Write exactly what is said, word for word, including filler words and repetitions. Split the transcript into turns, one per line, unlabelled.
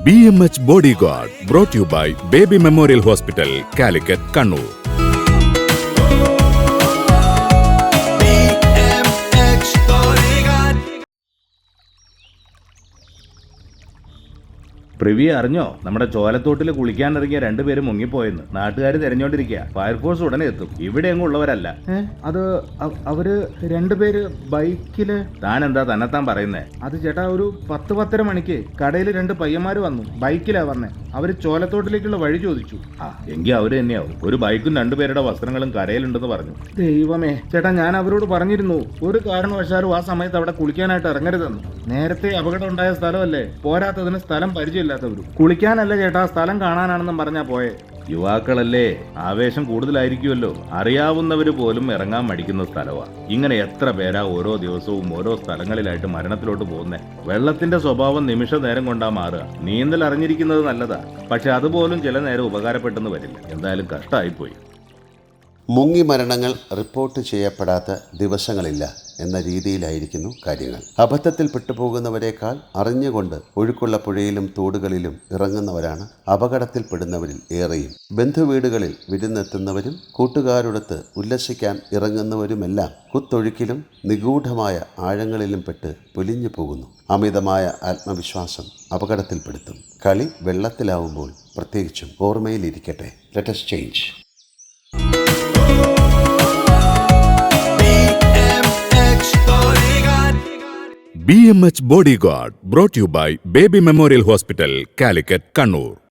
B M H Bodyguard brought you by Baby Memorial Hospital, Calicut, Kannur.
പ്രിവി അറിഞ്ഞോ? നമ്മുടെ ചോലത്തോട്ടിൽ കുളിക്കാനിറങ്ങിയ രണ്ടുപേരും മുങ്ങിപ്പോയെന്ന് നാട്ടുകാർ തെരഞ്ഞോണ്ടിരിക്കുക. ഫയർഫോഴ്സ് ഉടനെ എത്തും. ഇവിടെ എങ്ങും ഉള്ളവരല്ല.
അത് അവര് രണ്ടുപേര് ബൈക്കില്.
താൻ എന്താ തന്നെത്താൻ പറയുന്നേ?
അത് ചേട്ടാ, ഒരു പത്ത് പത്തര മണിക്ക് കടയിൽ രണ്ട് പയ്യന്മാര് വന്നു. ബൈക്കിലാ വന്നേ. അവര് ചോലത്തോട്ടിലേക്കുള്ള വഴി ചോദിച്ചു.
ആ എങ്കിൽ അവര് തന്നെയാവും. ഒരു ബൈക്കും രണ്ടുപേരുടെ വസ്ത്രങ്ങളും കരയിലുണ്ടെന്ന് പറഞ്ഞു.
ദൈവമേ ചേട്ടാ, ഞാൻ അവരോട് പറഞ്ഞിരുന്നു ഒരു കാരണവശാലും ആ സമയത്ത് അവിടെ കുളിക്കാനായിട്ട് ഇറങ്ങരുതെന്ന്. നേരത്തെ അപകടം ഉണ്ടായ സ്ഥലമല്ലേ, പോരാത്തതിന് സ്ഥലം പരിചയമില്ലാത്തവരും. കുളിക്കാനല്ല ചേട്ടാ, സ്ഥലം കാണാനാണെന്നും പറഞ്ഞാ പോയെ.
യുവാക്കളല്ലേ, ആവേശം കൂടുതലായിരിക്കുമല്ലോ. അറിയാവുന്നവര് പോലും ഇറങ്ങാൻ മടിക്കുന്ന സ്ഥലമാണ്. ഇങ്ങനെ എത്ര പേരാ ഓരോ ദിവസവും ഓരോ സ്ഥലങ്ങളിലായിട്ട് മരണത്തിലോട്ട് പോകുന്നേ. വെള്ളത്തിന്റെ സ്വഭാവം നിമിഷ നേരം കൊണ്ടാ മാറുക. നീന്തൽ അറിഞ്ഞിരിക്കുന്നത് നല്ലതാ, പക്ഷെ അതുപോലും ചില നേരം ഉപകാരപ്പെട്ടെന്ന് വരില്ല. എന്തായാലും കഷ്ടമായിപ്പോയി.
മുങ്ങി മരണങ്ങൾ റിപ്പോർട്ട് ചെയ്യപ്പെടാത്ത ദിവസങ്ങളില്ല എന്ന രീതിയിലായിരിക്കുന്നു കാര്യങ്ങൾ. അബദ്ധത്തിൽ പെട്ടുപോകുന്നവരെക്കാൾ അറിഞ്ഞുകൊണ്ട് ഒഴുക്കുള്ള പുഴയിലും തോടുകളിലും ഇറങ്ങുന്നവരാണ് അപകടത്തിൽപ്പെടുന്നവരിൽ ഏറെയും. ബന്ധുവീടുകളിൽ വിരുന്നെത്തുന്നവരും കൂട്ടുകാരോടൊത്ത് ഉല്ലസിക്കാൻ ഇറങ്ങുന്നവരുമെല്ലാം കുത്തൊഴുക്കിലും നിഗൂഢമായ ആഴങ്ങളിലും പെട്ട് പൊലിഞ്ഞു പോകുന്നു. അമിതമായ ആത്മവിശ്വാസം അപകടത്തിൽപ്പെടുത്തും. കളി വെള്ളത്തിലാവുമ്പോൾ പ്രത്യേകിച്ചും ഓർമ്മയിലിരിക്കട്ടെ. Let us change.
B M H Bodyguard brought you by Baby Memorial Hospital, Calicut, Kannur.